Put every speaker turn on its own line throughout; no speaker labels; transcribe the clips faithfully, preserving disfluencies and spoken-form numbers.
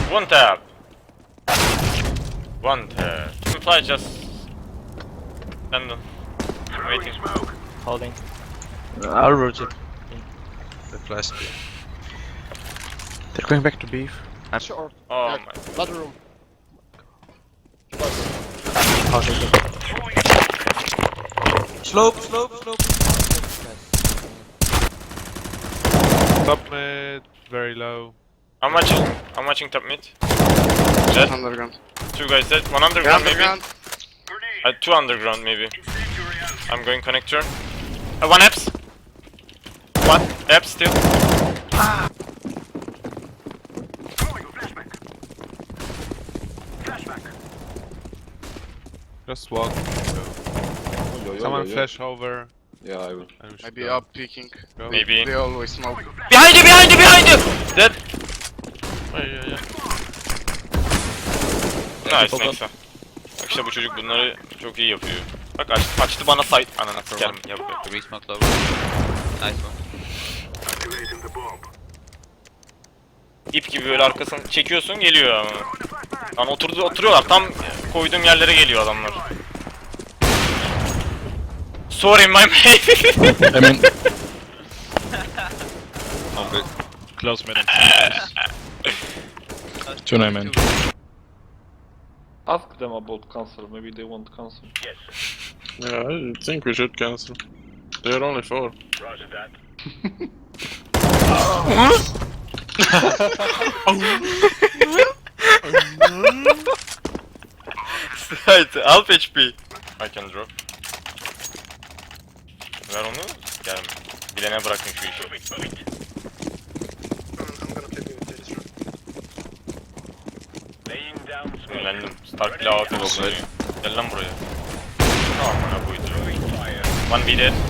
One tap. One tap. Fly just. And waiting.
Holding.
Uh, I'll rotate.
The flash.
They're going back to beef.
Short.
Oh
Yeah,
my.
Ladder room.
I'll take it.
Slope, slope, slope.
Top mid, very low.
I'm watching. I'm watching top mid. Jet.
Underground.
Two guys dead. One underground maybe.
Underground.
Uh, two underground maybe. I'm going connector. Uh, one apps. One apps still.
Just walk. Someone flash over.
Yeah, I will.
and we should
Maybe
go.
up peeking.
Go.
Maybe.
They always smoke.
Behind you, behind you, behind you! Dead.
Ay, ay, ay.
Nice, neyse. Bak işte bu çocuk bunları çok iyi yapıyor. Bak aç, açtı bana site. Ananı sikerim ya bu.
Three smoke lower. Nice one.
İp gibi böyle arkasını çekiyorsun geliyor ama. Lan oturdu oturuyorlar tam koyduğum yerlere geliyor adamlar. Sorry my mate.
I mean,
Oh, good.
close mid. Two nine man.
Ask them about cancel, maybe they want cancel.
Yeah, I think we should cancel. They're only four.
Right, half H P. I can drop. Ver onu, gelme. Bilene bırakın şu işi. Sinirlendim. Stark bile A W P dokunuyor. Gel lan buraya. Tamam bana buydu. One B dead.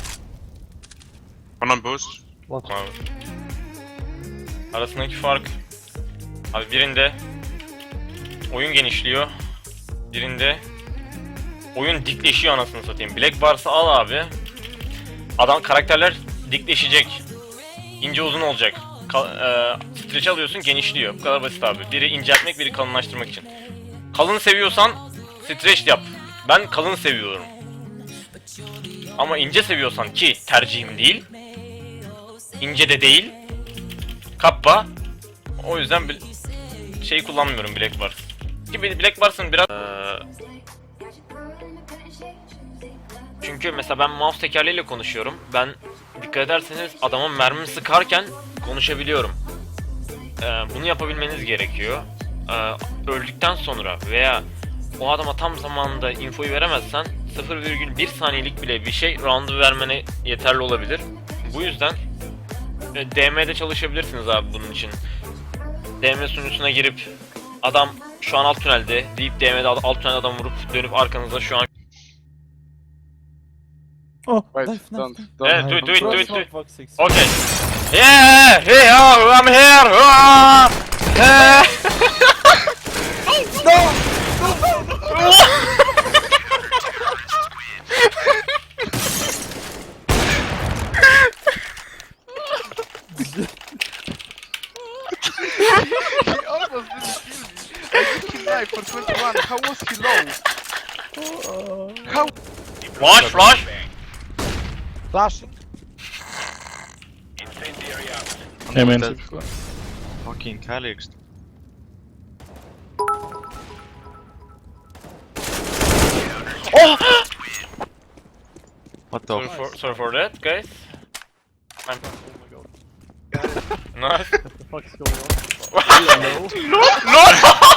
One on boost.
Abi. Arasındaki fark. Abi birinde oyun genişliyor. Birinde oyun dikleşiyor anasını satayım. Black Bars'ı al abi. Adam karakterler dikleşecek. İnce uzun olacak. Kal, e, stretch alıyorsun genişliyor. Bu kadar basit abi. Biri inceltmek, biri kalınlaştırmak için. Kalın seviyorsan stretch yap. Ben kalın seviyorum. Ama ince seviyorsan ki tercihim değil. İnce de değil. Kappa. O yüzden bir şey kullanmıyorum Black Bars. Ki Black Bars'ın biraz ee, çünkü mesela ben mouse tekerleğiyle konuşuyorum. Ben dikkat ederseniz adamın mermi sıkarken konuşabiliyorum. Ee, bunu yapabilmeniz gerekiyor. Ee, öldükten sonra veya o adama tam zamanında infoyu veremezsen sıfır virgül bir saniyelik bile bir şey round'u vermene yeterli olabilir. Bu yüzden e, D M'de çalışabilirsiniz abi bunun için. D M sunucusuna girip adam şu an alt tünelde deyip D M'de alt tünelde adam vurup dönüp arkanızda şu an
Oh,
Wait,
knife, knife,
don't,
knife.
don't.
Yeah, do it, do it, do it, do it.
Fuck, six.
Okay. Yeah, hey, oh, I'm here. Ah, eh.
He almost didn't kill me. I think he died for twenty-one. How was he low? How?
Flash, flash.
Flashing. Hey man.
Fucking Calyx.
Oh!
What the
Sorry
f-
for, sorry for that, guys. I'm
Oh my god.
nice.
What the fuck's going on?
No!